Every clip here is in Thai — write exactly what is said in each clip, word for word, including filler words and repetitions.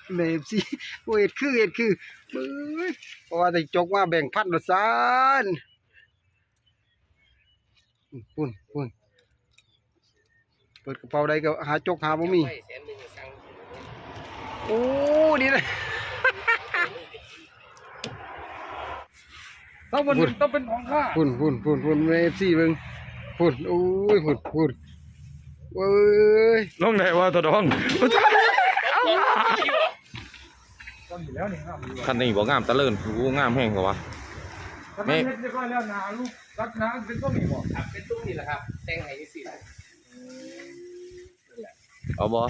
เมฟซี่โอ้เอ็ดคือเอ็ดคือเฮ้ยเพราะว่าได้จกมาแบ่งพันละซานปุ่นปุ่นเปิดกระเป๋าใดก็หาจกหาบ่มีโอ้ดีเลยต้องเป็นต้องเป็นของข้าปุ่นปุ่นปุ่นปุ่นเมฟซี่เบิ่งปุ่นโอ้ยปุ่นปุ่นเว้ยลงไหนวะตัวดองคันนี้บอกงามตะเลินกูงามแห้งกว่าไม่เรียบร้อยแล้วนาลูกรักน้ำเป็นต้นนี่บ่ครับเป็นตุ้งนี่แหละครับแตงไห้ที่สี่เอาบ่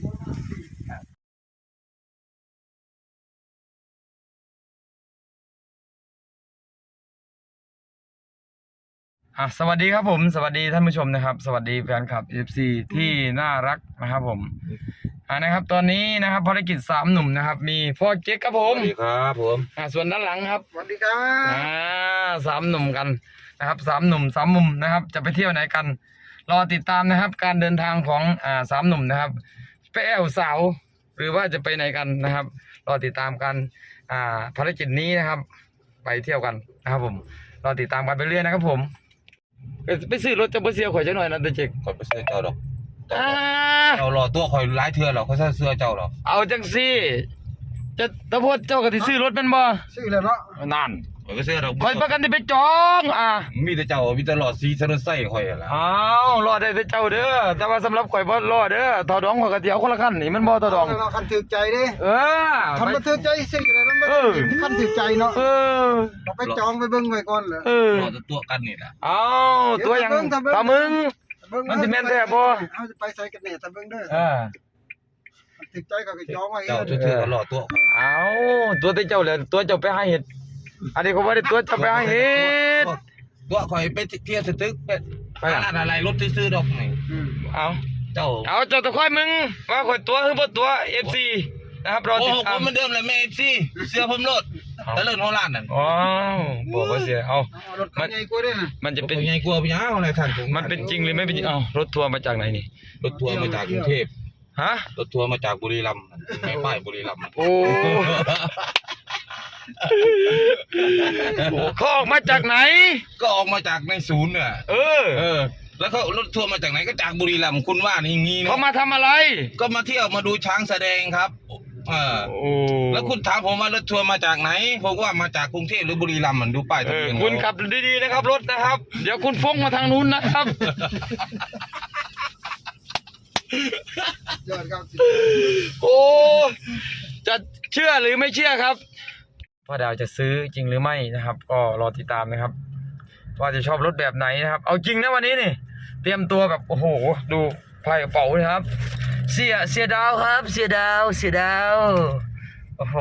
อ่ะสวัสดีครับผมสวัสดีท่านผู้ชมนะครับสวัสดีแฟนคลับ เอฟ ซี ที่น่ารักนะครับผมอ่านะครับตอนนี้นะครับภารกิจสามหนุ่มนะครับมีพ่อเก๊กครับผมสวัสดีครับผมอ่าส่วนด้านหลังครับสวัสดีครับอ่าสามหนุ่มกันนะครับสามหนุ่มสามมุมนะครับจะไปเที่ยวไหนกันรอติดตามนะครับการเดินทางของอ่าสามหนุ่มนะครับไปแอวสาวหรือว่าจะไปไหนกันนะครับรอติดตามกันอ่าภารกิจนี้นะครับไปเที่ยวกันนะครับผมรอติดตามกันไปเรื่อยนะครับผมไปซื้อรถจะไปเสียข่อยจังหน่อยนะตะเจกข่อยไปเสื้อเจ้าดอกอ่าเรารอตัวข่อยหลายเทื่อหรอกเขาใส่เสื้อเจ้าหรอกเอาจังสิจะตะโพดเจ้าก็สิซื้อรถเป็นบ่ซื้อแล้วเนาะนั่นข่อยไปเสื้อดอกข่อยประกันที่ไปจองอ่ามีแต่เจ้ามีแต่หลอดสีถนนไส้ข่อยล่ะอ้าวรอได้แต่เจ้าเด้อแต่ว่าสำหรับข่อยบ่รอเด้อต่อดองข่อยก็เที่ยวคนละคันนี่มันบ่ต่อดองเราคันถือใจเด้เออคันบ่ถือใจซื้ออะไรมันบ่คันถือใจเนาะเออเราไปจองไปเบิ่งไว้ก่อนเหรอเออรอตัวกันนี่ล่ะอ้าวตัวอย่างตามึงมันสิแม่นแท้บ่เอาจะไปใส่กันแน่ตาเบิ่งเด้อเออถือใจก็จองไว้เจ้าเทื่อก็รอตัวอ้าวตัวแต่เจ้าแหละตัวเจ้าไปหาเห็ดอันนี้ก็บ่ได้ตัวเจ้าไปหาเห็ดตัวข่อยไปเที่ยวสตึกไปร้านอะไรรถซื้อๆดอกนี่เอาเจ้าเอาเจ้าตะค่อยมึงว่าข่อยตัวคือบ่ตัว เอฟ ซี นะครับรอติดตามโอ้ผมเหมือนเดิมเลยแม่ เอฟ ซี เสื้อผมรถตะเลินหัวล้านนั่นอ๋อบอกว่าเสียเอารถใหญ่กว่าด้วยนะมันจะเป็นใหญ่กว่าพี่อ้าวอะไรท่านมันเป็นจริงหรือไม่เป็นจริงเอ้ารถทัวร์มาจากไหนนี่รถทัวร์มาจากกรุงเทพฮะรถทัวร์มาจากบุรีรัมย์ไม่ป้ายบุรีรัมย์โอ้เขาออกมาจากไหนก็ออกมาจากในศูนย์เนี่ยเออเออแล้วเขารถทัวร์มาจากไหนก็จากบุรีรัมย์คุณว่านี่งี้เขามาทำอะไรก็มาเที่ยวมาดูช้างแสดงครับเออแล้วคุณถามผมว่ารถทัวร์มาจากไหนผมว่ามาจากกรุงเทพหรือบุรีรัมย์มันดูป้ายทะเบียนคุณขับดีๆนะครับรถนะครับเดี๋ยวคุณฟ้องมาทางนู้นนะครับโอ้จะเชื่อหรือไม่เชื่อครับพ่อดาวจะซื้อจริงหรือไม่นะครับก็รอติดตามนะครับว่าจะชอบรถแบบไหนนะครับเอาจริงนะวันนี้นี่เตรียมตัวแบบโอ้โหดูไพ่กระเป๋านะครับเสียเสียดาวครับเสียดาวเสียดาวโอ้โห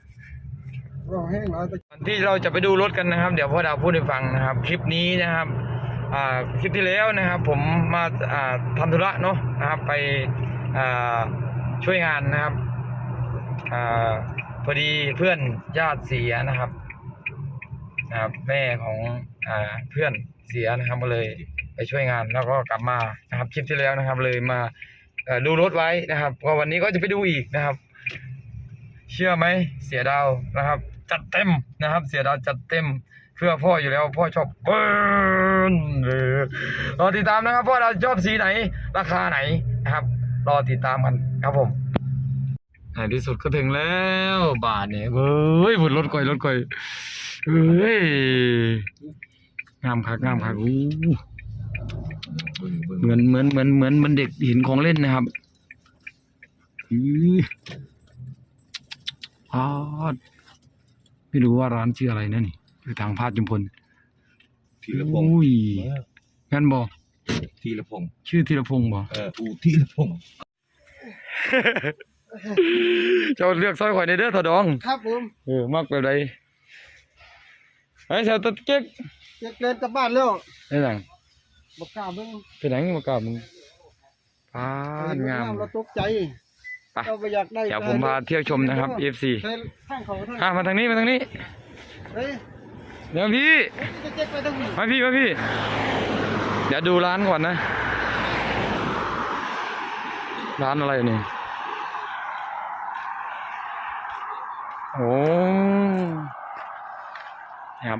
ที่เราจะไปดูรถกันนะครับเดี๋ยวพ่อดาวพูดให้ฟังนะครับคลิปนี้นะครับอ่าคลิปที่แล้วนะครับผมมาอ่าทำธุระเนาะนะครับไปอ่าช่วยงานนะครับอ่าพอดีเพื่อนญาติเสียนะครับนะครับแม่ของอ่าเพื่อนเสียนะครับก็เลยไปช่วยงานแล้วก็กลับมานะครับคลิปที่แล้วนะครับเลยมาดูรถไว้นะครับก็วันนี้ก็จะไปดูอีกนะครับเชื่อไหมเสียดาวนะครับจัดเต็มนะครับเสียดาวจัดเต็มเพื่อพ่ออยู่แล้วพ่อชอบเบิ้ลรอติดตามนะครับพ่อเราชอบสีไหนราคาไหนนะครับรอติดตามกันครับผมในที่สุดก็ถึงแล้วบ้านเนี่ยเฮ้ยบนรถก่อยรถก่อยเฮ้ยงามคักงามคักอู้เหมือนเหมือนเหมือนเหมือนเหมือนเด็กเห็นของเล่นนะครับอือพาดไม่รู้ว่าร้านชื่ออะไรนั่นนี่คือทางพาดจุมพลธีรพงศ์อุ้ยงั้นบอกธีรพงศ์ชื่อธีรพงศ์บอกเอออูธีรพงศ์เจ้าเลือกซอยข่อยในเด้อถอดองครับผมเออมากแบบใดไอ้เจ้าตะเก๊กเก๊กเล่นกลับบ้านแล้วไอ้หลังบักกาเบิ่งเป็นหนังบักกามึงพาดงามเราตกใจเราไปอยากได้เดี๋ยวผมพาเที่ยวชมนะครับ เอฟ ซี ข้ามาทางนี้มาทางนี้เดี๋ยวพี่มาพี่มาพี่เดี๋ยวดูร้านก่อนนะร้านอะไรนี่โอ้ครับ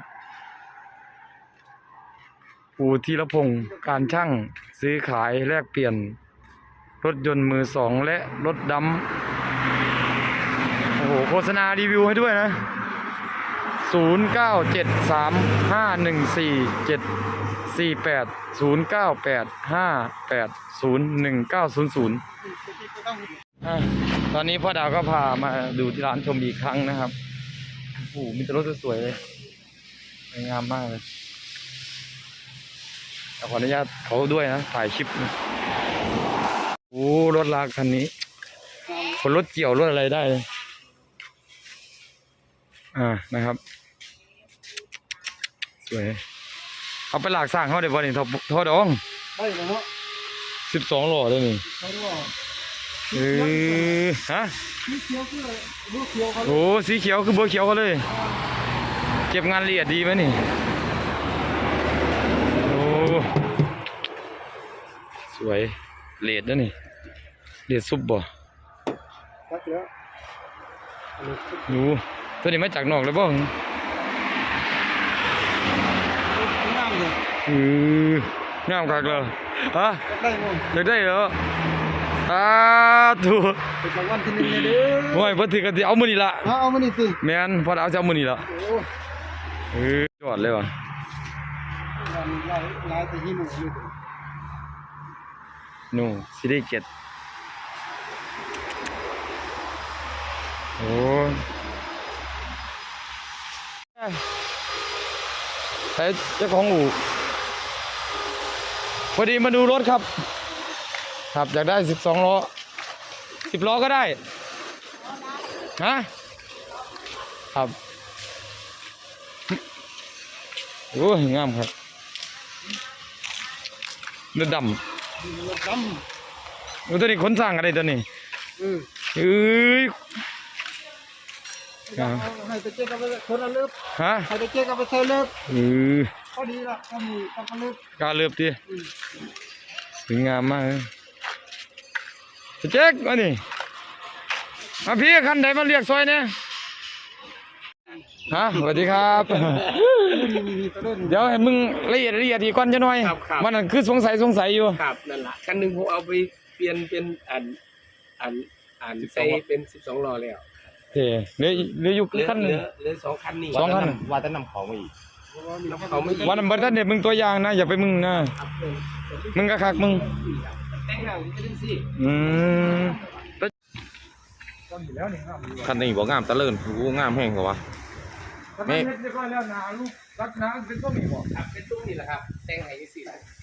ปูธีรพงศ์การช่างซื้อขายแลกเปลี่ยนรถยนต์มือสองและรถดำโอ้โหโฆษณารีวิวให้ด้วยนะศูนย์ เก้า เจ็ด สาม ห้า หนึ่ง สี่ เจ็ด สี่ แปด ศูนย์ เก้า แปด ห้า แปด ศูนย์ หนึ่ง เก้า ศูนย์ ศูนย์อ่ะตอนนี้พ่อดาวก็พามาดูที่ร้านชมอีกครั้งนะครับโอ้โหมีแต่รถสวยๆเลยสวยงามมากเลยขออนุญาตเขาด้วยนะถ่ายคลิปนะโอ้รถลากคันนี้คนรถเกี่ยวรถอะไรได้เลยอ่านะครับสวยเอาไปหลากสร้างเขาได้บ่นี่ทอทอดองได้แล้วเนาะสิบสองหล่อได้นี่เขาว่าเออฮะสีเขียวคืออะไรลูกเขียวเขาโอ้สีเขียวคือเบอร์เขียวเขาเลยเก็บงานละเอียดดีไหมนี่โอ้สวยเลดนะนี่เลดซุปบ่ตัดแล้วดูตัวนี้มาจากนอกเลยบ่งามเลยเอองามคักเลยฮะได้หมดอยากได้เหรออ้าถูกเป็นรางวัลที่หนึ่งเลยเด้อโอ้ยพอถือกันสิเอามือนี่ละเอาเอามานี่สิแมนพอเอาจะเอามือนี่ละโอ้เออยอดเลยว่ะลายลายลายแต่ยี่หมูเลยนู่ซีรีส์เจ็ดโอ้ใช้เจ้าของอู่พอดีมาดูรถครับครับอยากได้สิบสองล้อสิบล้อก็ได้ฮะครับโอ้ยงามครับเลือดดำดโอ้ตัวนี้ขนสร้างอะไรตัวนี้ำเออเอ้ยเอาให้ไปเจ๊กับไปคนละเลิบฮะให้ไปเจ๊กับไปใส่เลิบเออพอดีละพอดีกับเลิบกล้าเลือบดิสวยงามมากเลยเจ๊กมานี่มาพี่คันไหนมาเรียกซอยเนี่ยฮะสวัสดีครับ เดี๋ยวให้มึงละเอียดละเอียดอีกก่อนจะหน่อยมันนั่นคือสงสัยสงสัยอยู่ครับนั่นแหละคันหนึ่งผมเอาไปเปลี่ยนเป็นอันอันอันใส่เป็นสิบสองล้อแล้วเท่เหลือเหลืออยู่เหลือขั้นหเหนึ่ลืงอเหลือสองคันนี่สองคันว่าจะนำของมาอีกเขาไม่วันนั้นบัดท่านเด็ดมึงตัวอย่างนะ อย่าไปมึงนะครับเออมึงก็คักมึงแต่งหน้าจะได้สิอืมต้นอยู่แล้วนี่งามอยู่คันนี้บอกงามตะเลินกูงามแห้งกว่าวะถ้าไม่เฮ็ดเรียบร้อยแล้วหนาลูกรักหนาเป็นต้นนี่บ่ครับเป็นตุ้มนี่แหละครับแต่งให้สิ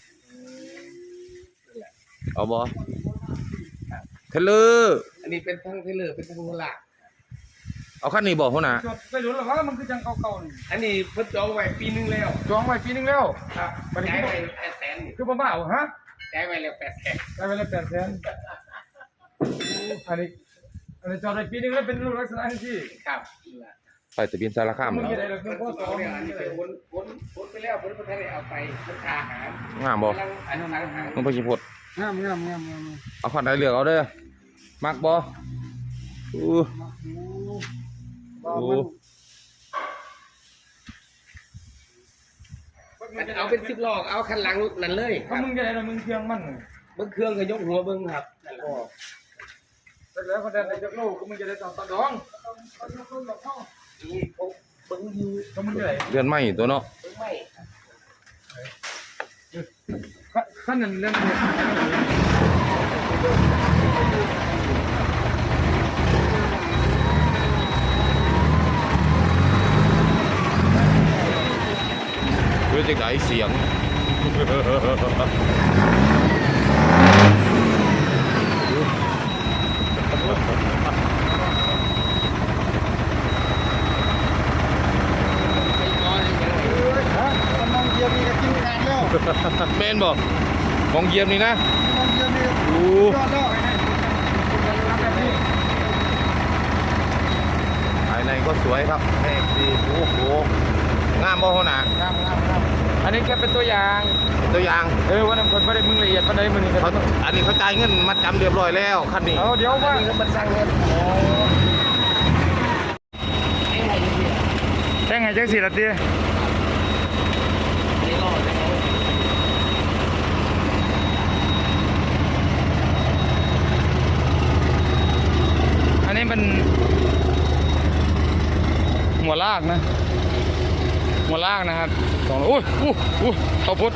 เอาบอเทเลอร์อันนี้เป็นทั้งเทเลอร์เป็นทั้งหลักเอาคันนี้บอกเขานะจดไปหลุดหรอวะมันคือจังเก่าๆนี่อันนี้เพิ่นจองไว้ปีหนึงแล้วจองไว้ปีนึงแล้วครับบัดนี้จ่ายคือไว้แปดแสนคือบ่มาเอาฮะจ่ายไว้แล้วแปดแสนได้ไปแล้วแปดแสนอันนี้อันนี้จอดไปปีนึงแล้วเป็นรูปลักษณะที่ครับไปแต่บินสารคามมึงแล้วจะได้เราเพิ่เพิ่มนข้อจสออง งเนี่ยอันนี้เป็นวนวนวนไปแล้วเพิ่นบ่ทันได้เอาไปเพิ่นค่าอาหารงามบอกำลังอันสังหารมึงไปขี่พดงามงามงามงามเอาคันไหนเลือกเอาเด้อมักบออู้โอ้โอ้เอาเป็นสิบล้อเอาคันหลังนั่นเลยคถ้ารับมึงจะได้เรามึงเพียงมันเบิ้งเครื่องก็ยกหัวเบิ้งครับนั่นแหละแต่แล้วเขาได้ในจักรโลกก็มึงจะได้ต่อตัดดองนี่เขาเบิ้งอยู่ก็มึงจะได้เดือนไม่ตัวเนาะเบิ้งไม่ขั้นนั้นเรื่องนี้เพื่อจะได้เสียงฮะกำลังเยียมีกับกินงานแล้วเมนบอกมองเยี่ยมนี่นะกำลังเยียมีอู้ยอดแล้วภายในก็สวยครับแม่ดีโอ้โหงามบ่เขาหนางามงามงามอันนี้แค่เป็นตัวอย่างตัวอย่างเออวันนั้นคนไม่ได้มึงละเอียดปานใดมึงนี่เขาอันนี้เขาจ่ายเงินมัดจำเรียบร้อยแล้วคันนี้เอาเดี๋ยวว่านี่ก็มันสร้างเงินให้จังสี่ละตีนี่รอดแล้วอันนี้เป็นหัวลากนะหัวลากนะครับสองโอ้ยอู้อู้เขาพุทธ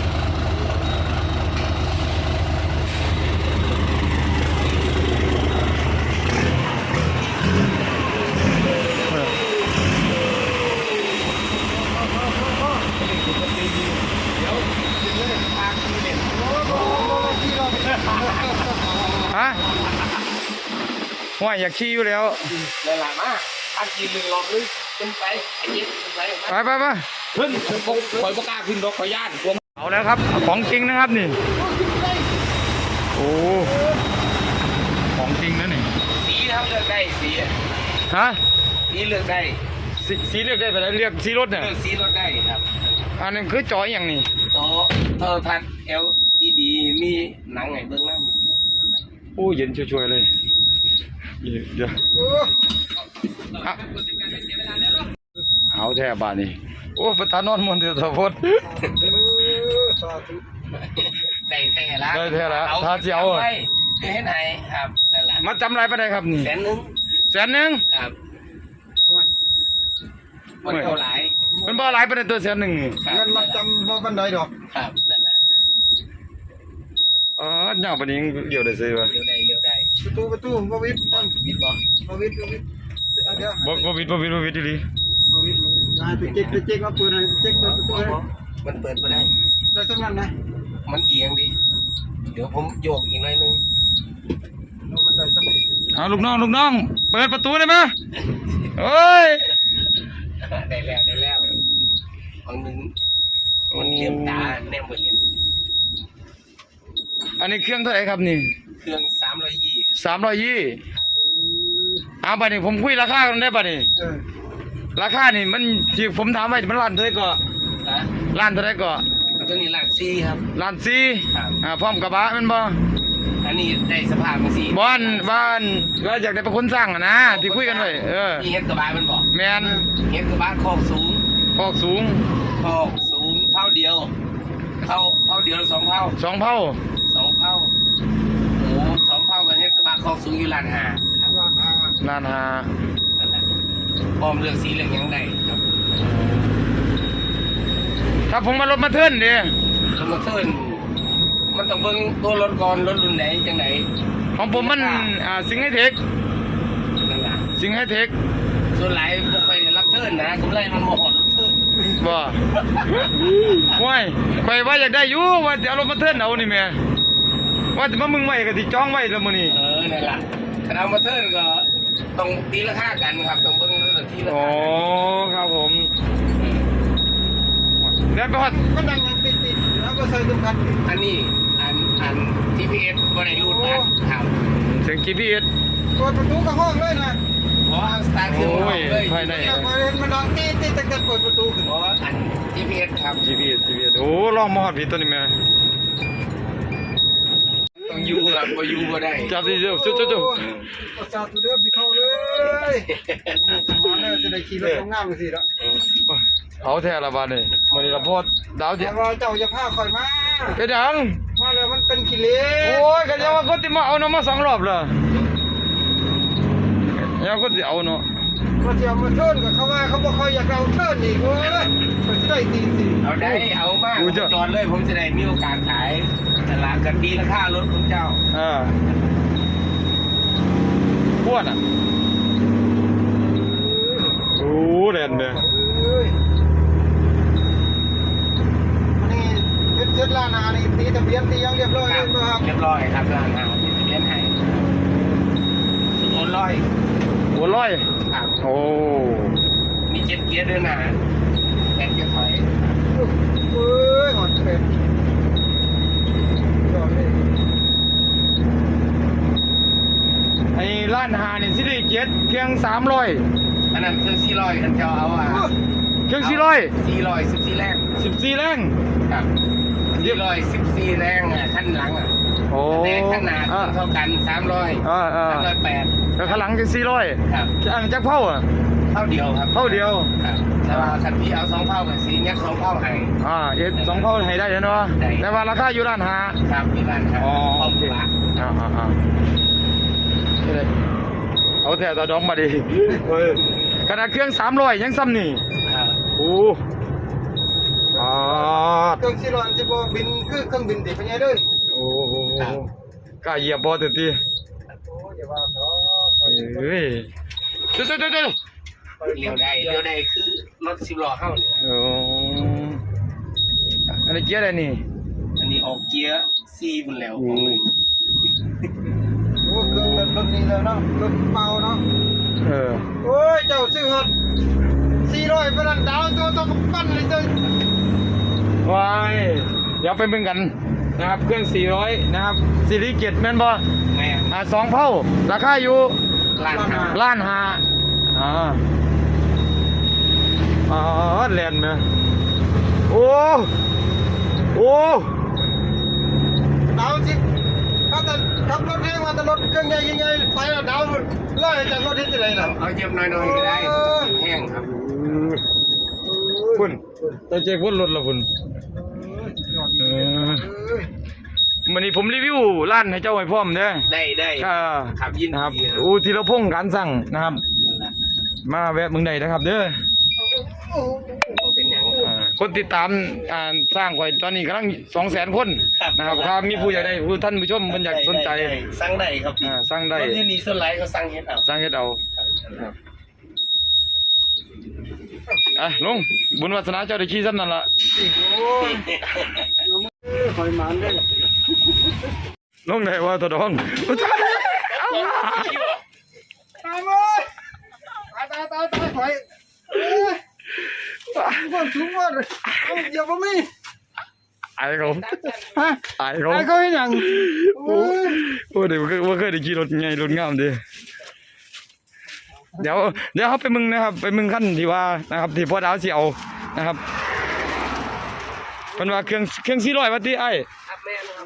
ฮะว่าอยากขี่อยู่แล้วเลยล่ะมาอันกินหนึ่งรอบนึงขึ้นไปไอ้เย็ดขึ้นไปไปไปไปขึ้นคงคอยประกล้าขึ้นรถขอย่านกลัวเอาแล้วครับของจริงนะครับนี่โอ้ของจริงนะนี่สีครับเลือกได้สีฮะสีเลือกได้สีสีเลือกได้ไปแล้วเลือกสีรถเนี่ยเลือกสีรถได้ครับอันนี้คือจออย่างนี้ต่อโทรทัศน์ แอล อี ดี มีหนังไงเบื้องหน้าโอ้เย็นช่วยๆเลยเดี๋ยวอ่ะเอาแท้บานนี้โอ้ประธานนอนมนต์เดือดสะพดได้แท้ละได้แท้ละถ้าสิเอาไปเฮ็ดให้ครับนั่นแหละมาจำอะไรไปได้ครับนี่แสนหนึงแสนหนึ่งครับมันเท่าไหร่มันบ่หลายไปในตัวแสนหนึ่งนี่เงินมาจำบ่บันไดดอกครับนั่นแหละอ๋อเน่าปานนี้เดี๋ยวได้ซื้อวะเลี้ยวได้เลี้ยวได้ประตูประตูบ่วิดต้นวิดบ่บ่วิดบ่วิดเดี๋ยวบ่บ่วิดบ่วิดบ่วิดดีบ่วิดได้ไปเจ๊กไปเจ๊กมาเปิดให้เจ๊กเปิดประตูให้มันเปิดบ่ได้ได้สักนั้นนะมันเอียงดิเดี๋ยวผมโยกอีกหน่อยนึงเอาบันไดสักหน่อยๆเอาลูกน้องลูกน้องเปิดประตูได้ไหมเอ้ยได้แล้วได้แล้วบางนึงมันเลี้ยมตาแนมบ่เลี้ยมอันนี้เครื่องเท่าไหร่ครับนี่เครื่องสามร้อยยี่สามร้อยยี่เอาบัดนี้ผมคุยราคากันได้บัดนี้เออราคานี่มันที่ผมถามไว้มันล้านเท่าไหร่ก็นะล้านเท่าไหร่ก็ตัวนี้หลักสี่ครับล้านสี่ครับอ่าพร้อมกระบะแมันบ่อันนี้ได้สภาพมันสี่บ้านบ้านก็อยากได้เป็นคนสร้างอะนะที่คุยกันไว้เออนี่เฮ็ดกระบะมันบอกแมนเฮ็ดกระบะคอกสูงพอกสูงคอกสูงเท่าเดียวเท่าเท่าเดียวหรือสองเท่าสองเผาสองเท่าโอ้สองเท่ากันเฮ็ดกระบะคอกสูงอยู่ล้านห้าครับว่าอ่าล้านห้านั่นแหละพร้อมเรื่องสีเรื่องหยังได้ครับถ้าผมมารถมาเทิร์นดิคำว่าเทิร์นมันต้องเบิ่งตัวรถก่อนรถรุ่นไหนจังไหนของผมมันอ่าสิงห์ไฮเทคนั่นล่ะสิงห์ไฮเทคส่วนหลายบ่ค่อยได้รับเทิร์นนะกำไรมันบ่ฮอดรถเทิร์นบ่ว้ายไปว่าอยากได้อยู่ว่าจะเอารถมาเทิร์นเอานี่แม่ว่าจะมามึงไว้ก็สิจองไว้แล้วมื้อนี้เออนั่นล่ะถ้าเอามาเทิร์นก็ต้องตีราคากันครับต้องเบิ่งเรื่องที่ราอ๋อคากันครับผมเดี๋ยวไปฮอดมันดังยังติดติดแล้วก็ใส่ตุ้มคันอันนี้อันอัน จี พี เอส บ่ได้รูดบัตรครับเสียง จี พี เอสเปิดประตูกับห้องเลยนะเพราะสตาร์ทเครื่องโอ้ยเลยภายในอยากมาเห็นมันดังตีตีตั้งแต่เปิดประตูขึ้นเพราะอัน จี พี เอส ครับจี พี เอส จี พี เอส โอ้ลองมาฮอดพี่ตัวนี้แม่ต้องอยู่ครับบ่อยู่บ่ได้จับดิเดี๋ยวจุ๊จุ๊จุ๊ประสาทตัวเดิมที่เข้าเลยมาแล้วจะได้ขี่รถงามๆสิละเอาแท้ละบาดนี่มื้อนี้ละพอดาวเดีเดี๋ยยว วเราเจ้าจะพาข่อยมาเป็นหยังมาแล้วมันเป็นกิเลสโอ้ยก็ยังว่าคนที่มาเอาเนาะมาสองรอบแล้วยังคนที่เอาเนาะมาเที่ยวมาเทิร์นกับเขาว่าเขาบอกเขาอยากเอาเทิร์นอีกเว้ยมันจะได้ตีสิเอาได้เอามาผมจอดเลยผมจะได้มีโอกาสขายตลาดกันดีราคารถของเจ้าอ่าพวดอ่ะโอ้เด่นเด้อเอ้ยอันนี้เพชรเจ็ดล้านนานี่ตีทะเบียนตียังเรียบร้อยคเลรับยนะครับเรียบร้อยครับร้านอาหารที่เลี้ยงให้สุดโอนร้อยโอ้ร้อยครับโอ้มีเจ็ดเกียร์ด้วยนะแปดเกียร์ถอยเอ้ยหอดเป็ดยอดเลยไอ้ร้านอาหารนี่สิได้เจ็ดเครื่องสามร้อยอันนั้นเครื่องสี่ร้อยกันเจ้าเอาอ่ะเครื่องสี่ร้อยสี่ร้อยสิบสี่แรงสิบสี่แรงครับสี่ร้อยสิบสี่แรงอ่ะขั้นหลังอ่ะโอ้แต่ขนาดอ่าเท่ากันสามร้อยอ่าอ่าสามร้อยแปดแล้วข้างหลังจะสี่ร้อยครับอันจักเผาอ่ะเท่าเดียวครับเท่าเดียวครับแต่ว่าคันพี่เอาสองเท่ากับสียักษ์สองเท่าให้อ่าเอ็ดสองเท่าให้ได้เนาะได้แต่ว่าราคาอยู่ร้านหาครับพี่บ้านครับอ๋อพร้อมโอเคปากอ่าอ่าอ่านี่เลยเอาแต่ต่อดองมาดิเฮ้ยขนาดเครื่องสามร้อยยังซ้ำนี่ครับโอ้อ่าเครื่องซีรอนสิบ่บินคือเครื่องบินติเป็นไงเด้อโอ้โหกล้าเหยียบบอตื่นตีโอ้อย่าว่าเนาะเฮ้ยเดี๋ยวเดี๋ยวเดี๋ยวเดี๋ยวเลี้ยวได้เลี้ยวได้คือรถสิบล้อเข้าเนี่ยโอ้อันนี้เกียร์อะไรนี่อันนี้ออกเกียร์ซีบุญแล้วโอ้โอ้เครื่องรถนี้แล้วเนาะรถเมาเนาะเออโอ้ยเจ้าซื้อฮอดสี่ร้อยปานนั้นดาวตัวต้องปั้นเลยเจ้าว้ายเดี๋ยวไปเบิ่งกันนะครับเครื่องสี่ร้อยนะครับซีรีส์เจ็ดแม่นบ่แม่อ่าสองเผ่าราคาอยู่ร้านค้าล้านห้าอ่าอ่าแลนด์ไหมโอ้โอ้ดาวสิถ้าแต่ขับรถเองมาแต่รถเครื่องใหญ่ยังไงไปแล้วดาวไล่จากรถที่ไหนล่ะเอาเย็บน้อยๆก็ได้แห้งครับคุณตัวเจ๊พุ่นรถละคุณเออเอ้ยวันนี้ผมรีวิวร้านให้เจ้าไว้พร้อมเด้อได้ได้ค่ะครับยินนะครับดีครับอูธีรพงษ์การสั่งนะครับ มาแวะเมืองใดนะครับ เด้อบ่เป็นหยังอ่าคนติดตามอ่าสร้างไว้ตอนนี้กำลังสองแสนคนนะครับถ้ามีผู้อยากได้ผู้ท่านผู้ชมมันอยากสนใจได้ได้สั่งได้ครับอ่าสั่งได้รถที่นี่ส่วนหลายเขาสั่งเฮ็ดเอาสร้างเฮ็ดเอาครับอ่ะลุงบุญวาสนาเจ้าได้ขี่ซ้ำนั่นล่ะโอ้ยคอยหมานได้ลุงได้ว่าตัวดองตายเลยตายตายตายตายถอยเอ้ยความสูงว่าเลยเอาเดี๋ยวบ่มีไอ้เขาฮะไอ้เขาไอ้ก็เห็นหยังโอ้ยโอ้เดี๋ยวว่าเคยได้ขี่รถไงรถงามดิเดี๋ยวเดี๋ยวเขาไปมึงนะครับ ไปมึงขั้นที่ว่านะครับ ที่พ่อดาวสิเอานะครับเป็นว่าเครื่องเครื่องสี่ร้อยวัตต์ไอ้ครับแม่นะครับ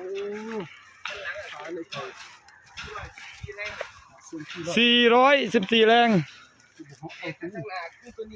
สี่ร้อยสิบสี่แรงข้างหน้าคือตัวนี้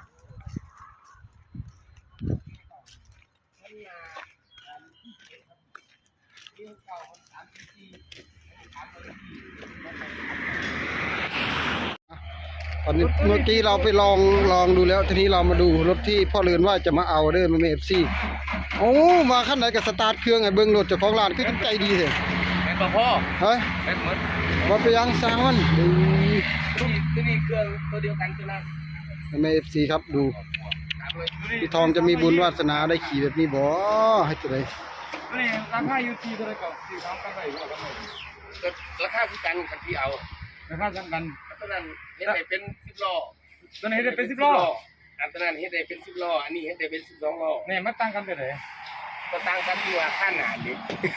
ตอนนี้เมื่อกี้เราไปลองลองดูแล้วทีนี้เรามาดูรถที่พ่อเรือนว่าจะมาเอาเด้อมันเอฟซีโอ้มาขั้นไหนกับสตาร์ทเครื่องไอ้เบิ้งรถเจ้าของร้านคือใจดีเลยเป็นบ่พ่อเฮ้ยเป็นหมดว่าไปยังสร้างมันดูตัวนี้ตัวนี้เครื่องตัวเดียวกันตัวนั้นแม่เอฟซีครับดูพี่ทองจะมีบุญวาสนาได้ขี่แบบนี้บ่ให้ตัวใดนี่ราคาอยู่ที่เท่าไหร่ก็สี่สามกันไปก็กันไปราคาคือกันคันที่เอาราคาสั่งกันตัวนั้นเฮ็ดได้เป็นสิบล้อตัวนี้ได้เป็นสิบล้ออันตัวนั้นเฮ็ดได้เป็นสิบล้ออันนี้เฮ็ดได้เป็นสิบสองล้อนี่มันต่างกันไปไหนก็ต่างกันที่ว่าค่าหนาดิ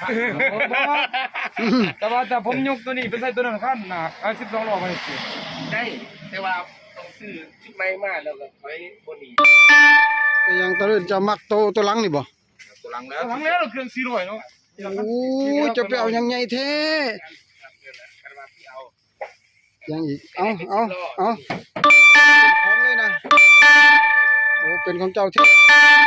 แต่ว่าแต่ผมยกตัวนี้เป็นใส่ตัวนั้นขั้นนะเอาสิบสองล้อมาสิได้แต่ว่าต้องซื้อชุดใหม่มาแล้วก็ไว้บนนี้แต่ยังตะเลื่นจะมักโตตัวหลังนี่บ่ตัวหลังแล้วหลังแล้วเครื่องสี่ร้อยเนาะโอ้จะไปเอายังไงแท้กันว่าที่เอายังอีกเอาเอาเอาเป็นของเลยนะโอ้เป็นของเจ้าที่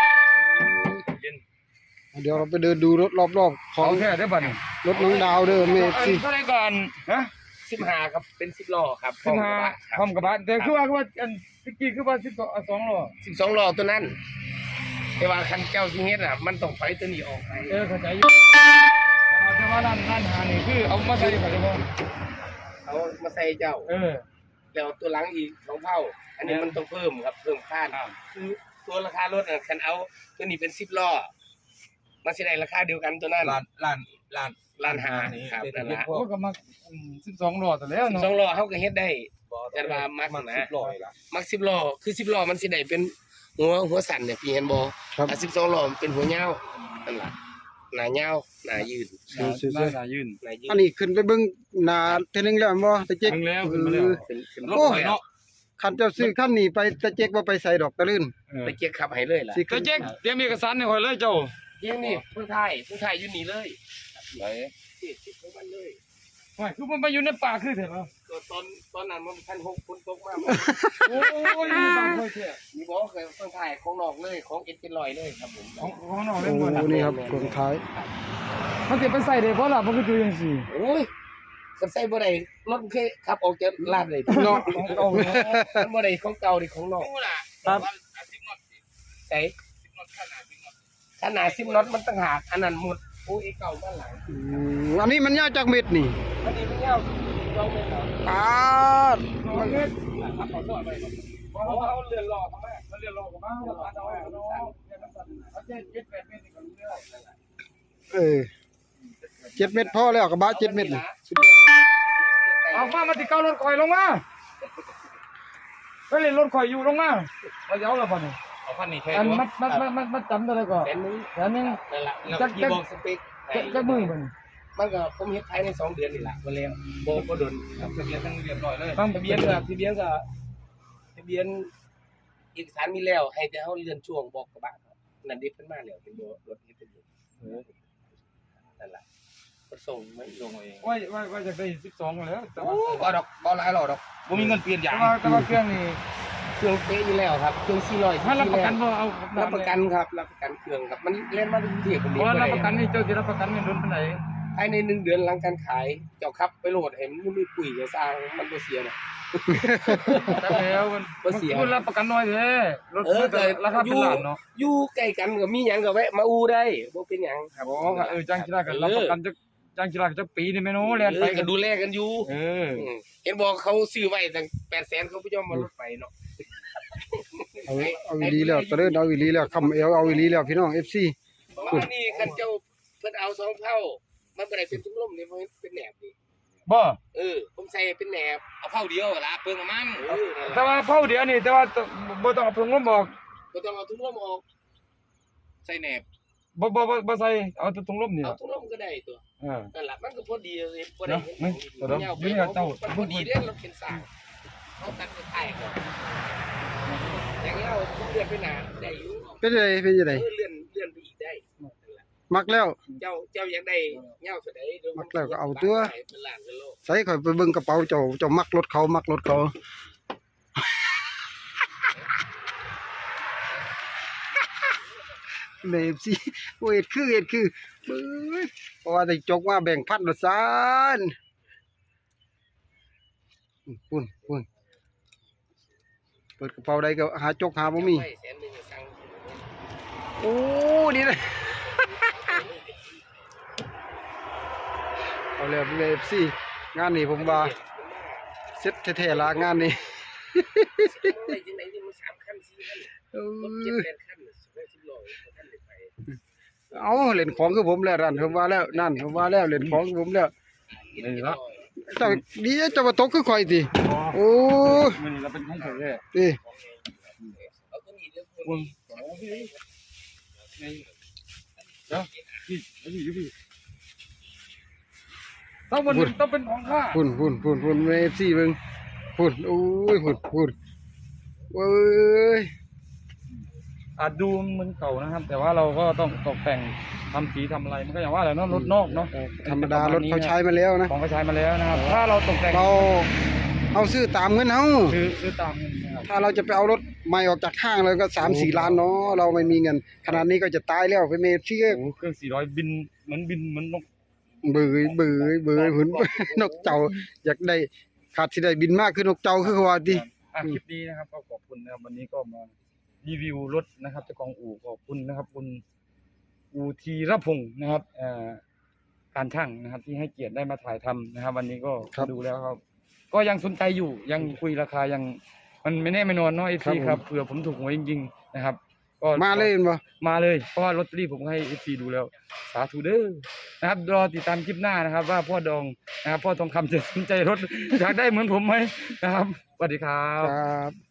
เดี๋ยวเราไปเดินดูรถรอบๆขอเอางแค่ได้ป่ะนี่รถน้องดาวเด้อเมฟซีเท่าไหร่ก่อนฮะสิบห้าครับเป็นสิบล้อครับสิบห้าพร้อมกับบาทแต่คือว่าคือว่าอันตะกี้คือว่าสิบสองล้อสิบสองล้อตัวนั้นแต่ว่าคันเจ้าสิเฮ็ดอ่ะมันต้องไปตัวนี้ออกไปเออเข้าใจอยู่แต่ว่าร้านร้านหานี่คือเอามาใส่ดีกว่าเฉพาะเอามาใส่เจ้าเออแล้วตัวหลังอีกสองเท่า อันนี้มันต้องเพิ่มครับเพิ่มค่าคือตัวราคารถอ่ะคันเอาตัวนี้เป็นสิบล้อมันสิได้ราคาเดียวกันตัวนั้นล้านล้านล้านล้านห้านี่ครับเป็นนั่นเรื่องละพวโอ้กก็มาสิบสองล้อแต่แล้วสเนาะองล้อเขาก็เฮ็ดได้ แต่ว่ามักมันนะสิบร้อยละมักสิบล้อคือสิบล้อมันสิได้เป็นหัวหัวสั่นเนี่ยพี่เห็นบ่ครับถ้าสิบสองล้อมันเป็นหัวยาวนั่นล่ะหน้ายาวหน้ายืดน่าจะยืนหน้ายืดอันนี้ขึ้นไปเบิ่งหน้าเทนึงแล้วบ่ตะเจ๊กขึ้นแล้วขึ้นมาแล้วเป็นเป็นโอ้รถเนาะคันเจ้าซื้อคันนี้ไปตะเจ๊กบ่ไปใส่ดอกตะลื่นไปเกียร์ขับให้เลยล่ะสิก็เจ๊กเตรียมเอกสารให้ข่อยเลยเจ้าเกียร์นี่ผู้ไทยผู้ไทยอยู่นี่เลยไหนที่ที่ของมันเลยว่าคือมันไปอยู่ในป่าคือเถอะเนาะตอนตอนนั้นมันพันหกคนตกมากโอ้ยบางคนเที่ยมีบอกเคยเพิ่งถ่ายของนอกเลยของเอ็ดเจนลอยเลยครับผมของของนอกโอ้เล่นบ่นี่ครับกลท้ายมันสิไปใส่ได้บ่ล่ะมันก็อยู่จังซี่โอ้ยกันใส่บ่ได้รถเคยขับออกจากลาดเลยเนาะของเก่าเนาะมันบ่ได้ของเก่าดิของนอกครับใส่ขนาดสิบน็อตมันต่างหากอันนั้นหมดโอ้ยเก่าบ้านหลังอืมอันนี้มันยาวจากเม็ดนี่อันนี้มันยาวเราไม่เอาปาดมันเงินขับขอโทษไปเพราะว่าเขาเรือนรอเขาแม่มันเรียนรอกับมาเอาเอาเอาเนาะเนี่ยมันสั่นเอาเจ็ดเจ็ดแปดเมตรนี่ก็รู้แล้วเออเจ็ดเม็ดพอแล้วกระบะเจ็ดเม็ดนี่เอามามาติเก้ารถข่อยลงมาไปเล่นรถข่อยอยู่ลงมาว่าจะเอาละบ่นี่เอาพันนี่ใช่อันไหมมัดมัดมัดมัดมัดจำได้แล้วก็แสนนึงแสนหนึงนั่นแหละจักที่บอกสเปคจักจักมือมันมันก็ผมเฮ็ดภายในสองเดือนนี่แหละบ่แล้วบ่บ่โดนครับทะเบียนทั้งเรียบร้อยเลยต้องทะเบียนก็ทะเบียนก็ทะเบียนเอกสารมีแล้วให้แต่เฮาเลื่อนช่วงบอกกระบะครับนั่นดิเพิ่นมาแล้วเป็นบ่รถเฮ็ดทะเบียนนั่นล่ะก็ส่งไม่ลงเองว่าว่าว่าจะได้สิบสองแล้วแต่โอ้ว่าบ่ดอกบ่หลายหรอกดอกบ่มีเงินเปลี่ยนอแต่ย่างว่าแต่ว่าเครื่องนี่เครื่องเป๊ะอยู่แล้วครับเครื่องสี่ร้อยถ้ารับประกันบ่เอารับประกันครับรับประกันเครื่องครับมันเล่นมาทุกที่คนเพนี้ราะว่ารับประกันนี่เจ้าสิรับประกันเงินโดนปานใดภายในหนึ่งเดือนหลังการขายเจ้าครับไปโหลดให้มันมีปุ๋ยกับสร้างมันบ่เสียนะแต่แล้วมันบ่เสียมันรับประกันน้อยเด้รถเออมันก็แต่ราคาอเป็นยู่ล้านเนาะอยู่ใกล้กันก็มีหยังก็แวะมาอูได้บ่เป็นหยังครับอ๋อก็เออจ้างกีฬาก็รับประกันจักจ้างกีฬาก็จักปีนี่แม่นโอ้แล่นเอไปอกัก็นดูแลกันอยู่เออมเห็นบอกเขาซื้อไว้ตั้งแปดแสนเขาบ่ยอมมารถไฟเนาะเอาเอาอีหลีแล้วตะเดินเอาอีหลีแล้วคำเอวเอาอีหลีแล้วพี่น้อง เอฟ ซีเพราะว่านี่คันเจ้าเพิ่นเอาสองเท่ามันบ่ได้เป็นทุกลมนี่มันเป็นแหนบนี่บ่เออผมใส่เป็นแหนบเอาเท่าเดียวล่ะเปลืองน้ำมันเออนั่นแต่ล่ะว่าเผาเดี๋ยวนี่แต่ว่าต้องบ่ต้องเอาเพิ่งลมบอกบ่ต้องเอาทุกลมออกใส่แหนบบ่บ่บ่บ่ใส่เอาแต่ถุงลมนี่เอาล่ะทุกลมก็ได้ตัวเออนั่นล่ะมันก็พอดีเลยพอดีเนาะไม่ตัวเดิมยาวไปอยู่นี่ครับเจ้ามันพอดีเด้อเราเป็นสร้างเขาตัดไปถ่ายก่อนอย่างเงี้ยเอาเลื่อนไปหนาได้อยู่เป็นยังไงเป็นยังไงเออเลื่อนเลื่อนไปอีกได้นั่นล่ะมักแล้วเจ้าเจ้าอยากได้เงาสุดใดเดี๋ยวมักแล้วก็เอาตัวเป็นล้านเป็นโลใส่ข่อยไปเบิ่งกระเป๋าเจ้าเจ้ามักรถเขามักรถเขาใน เอฟ ซี โอ้ยเอ็ดคือเอ็ดคือเบ้ยเพราะว่าได้จกมาแบ่งพันละซานปุ่นปุ่นเปิดกระเป๋าใดก็หาจกหาบ่มีไว้แสนหนึ่งสั่งโอ้นี่นะ เอาแล้วพี่เอฟซีงานนี้ผมว่าเซ็ตแท้ๆละงานนี้ได้จังไหนนี่มันสามขั้นสี่ขั้นเอรถเจ็ดอแปดขั้นสิบห้าสิบโลขั้นเลยไปเอาเล่นของคือผมแล้วนั่นผมว่าแล้วนั่นผมว่าแล้วเล่นของคือผมแล้วนี่ละเจ้าดีเจ้าบ่ตกคือข่อยติโอ้มื้อนี้เราเป็นของเฉยเลยติเอาตัวนี้เดี๋ยววงเดี๋ยวพี่เอาพี่อยู่พี่ต้องมันต้องเป็นของข้าพุ่นพุ่นพุ่นพุ่นเอฟซีเบิ่งพุ่นโอ้ยพุ่นพุ่นโอ้ยอาจดูเหมือนเก่านะครับ แต่ว่าเราก็ต้องตกแต่งทำสีทำอะไรมันก็อย่างว่าแหละเนาะรถนอกเนาะธรรมดารถเขาใช้มาแล้วนะของเขาใช้มาแล้วนะครับ ถ้าเราตกแต่งเราเอาซื้อตามเงินเฮาซื้อซื้อตามเงินนะครับถ้าเราจะไปเอารถใหม่ออกจากห้างเลยก็สามสี่ล้านเนาะเราไม่มีเงินขนาดนี้ก็จะตายแล้วไปเมฟซีก็โอ้โหเครื่องสี่ร้อยบินเหมือนบินเหมือนนกเบื่อเบื่อเบื่อหุ่น นกเจ้าอยากได้ขาดสิได้บินมากคือนกเจ้าคือเขาว่าติอ่ะคลิปนี้นะครับก็ขอบคุณนะครับวันนี้ก็มารีวิวรถนะครับเจ้าของอู่ขอบคุณนะครับคุณอูทีรพงศ์นะครับเอ่อการช่างนะครับ ที่ให้เกียรติได้มาถ่ายทำนะครับ วันนี้ก็ดูแล้วครับ ก็ยังสนใจอยู่ยังคุยราคายังมันไม่แน่ไม่นอนเนาะไอซีครับเผื่อผมถูกหวยจริงๆนะครับ ก็มาเลยเห็นบ่มาเลยเพราะว่าลอตเตอรี่ผมให้เอฟซีดูแล้วสาธุเด้อนะครับรอติดตามคลิปหน้านะครับ ว่าพ่อดองนะครับพ่อทองคำจะสนใจรถอยากได้เหมือนผมไหมนะครับสวัสดีครับครับ